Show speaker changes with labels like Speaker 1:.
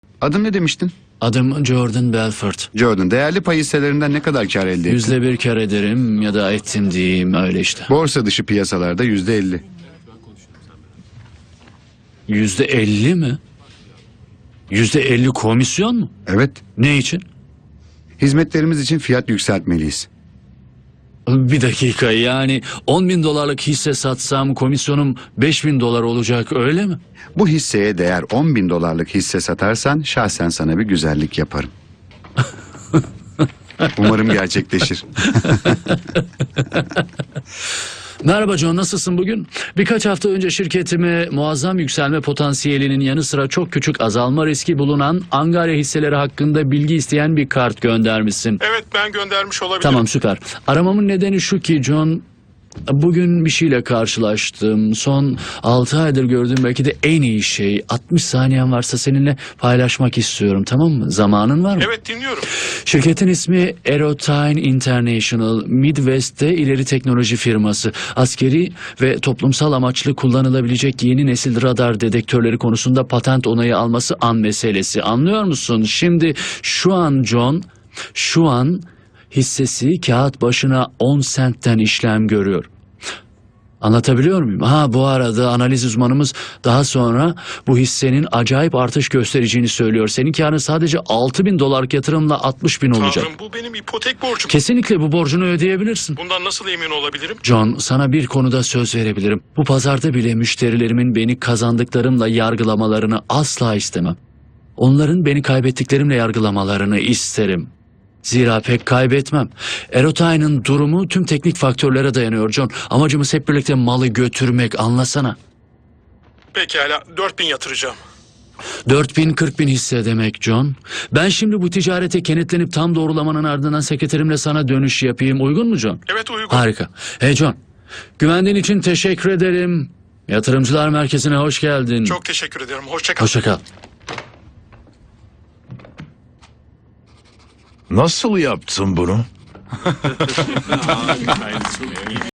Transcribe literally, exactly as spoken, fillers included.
Speaker 1: Adın ne demiştin?
Speaker 2: Adım Jordan Belfort.
Speaker 1: Jordan, değerli pay hisselerinden ne kadar kar elde ettin?
Speaker 2: Yüzde bir kar ederim ya da ettim diyeyim, öyle işte.
Speaker 1: Borsa dışı piyasalarda yüzde elli.
Speaker 2: Yüzde elli mi? Yüzde elli komisyon mu?
Speaker 1: Evet,
Speaker 2: Ne için?
Speaker 1: hizmetlerimiz için fiyat yükseltmeliyiz.
Speaker 2: Bir dakika, yani on bin dolarlık hisse satsam komisyonum beş bin dolar olacak, öyle mi?
Speaker 1: Bu hisseye değer on bin dolarlık hisse satarsan şahsen sana bir güzellik yaparım. Umarım gerçekleşir.
Speaker 2: Merhaba John, nasılsın bugün? Birkaç hafta önce şirketime muazzam yükselme potansiyelinin yanı sıra çok küçük azalma riski bulunan Angarya hisseleri hakkında bilgi isteyen bir kart göndermişsin.
Speaker 3: Evet, ben göndermiş olabilirim.
Speaker 2: Tamam, süper. Aramamın nedeni şu ki John, bugün bir şeyle karşılaştım. Son altı aydır gördüğüm belki de en iyi şey. altmış saniyen varsa seninle paylaşmak istiyorum, tamam mı? Zamanın var mı?
Speaker 3: Evet, dinliyorum.
Speaker 2: Şirketin ismi Aerotyne International, Midwest'te ileri teknoloji firması. Askeri ve toplumsal amaçlı kullanılabilecek yeni nesil radar dedektörleri konusunda patent onayı alması an meselesi. Anlıyor musun? Şimdi şu an John, şu an hissesi kağıt başına on sentten işlem görüyor. Anlatabiliyor muyum? Ha, bu arada analiz uzmanımız daha sonra bu hissenin acayip artış göstereceğini söylüyor. Senin karın sadece altı bin dolarlık yatırımla altmış bin olacak.
Speaker 3: Tanrım, bu benim ipotek borcum.
Speaker 2: Kesinlikle bu borcunu ödeyebilirsin.
Speaker 3: Bundan nasıl emin olabilirim?
Speaker 2: John, sana bir konuda söz verebilirim. Bu pazarda bile müşterilerimin beni kazandıklarımla yargılamalarını asla istemem. Onların beni kaybettiklerimle yargılamalarını isterim. Zira pek kaybetmem. Aerotyne'ın durumu tüm teknik faktörlere dayanıyor John. Amacımız hep birlikte malı götürmek, anlasana.
Speaker 3: Pekala, dört bin yatıracağım.
Speaker 2: dört bin kırk bin hisse demek John. Ben şimdi bu ticarete kenetlenip tam doğrulamanın ardından sekreterimle sana dönüş yapayım. Uygun mu John?
Speaker 3: Evet, uygun.
Speaker 2: Harika. Hey John, güvendiğin için teşekkür ederim. Yatırımcılar Merkezi'ne hoş geldin.
Speaker 3: Çok teşekkür ederim. Hoşça kal.
Speaker 2: Hoşça kal.
Speaker 4: Nasıl yaptın bunu?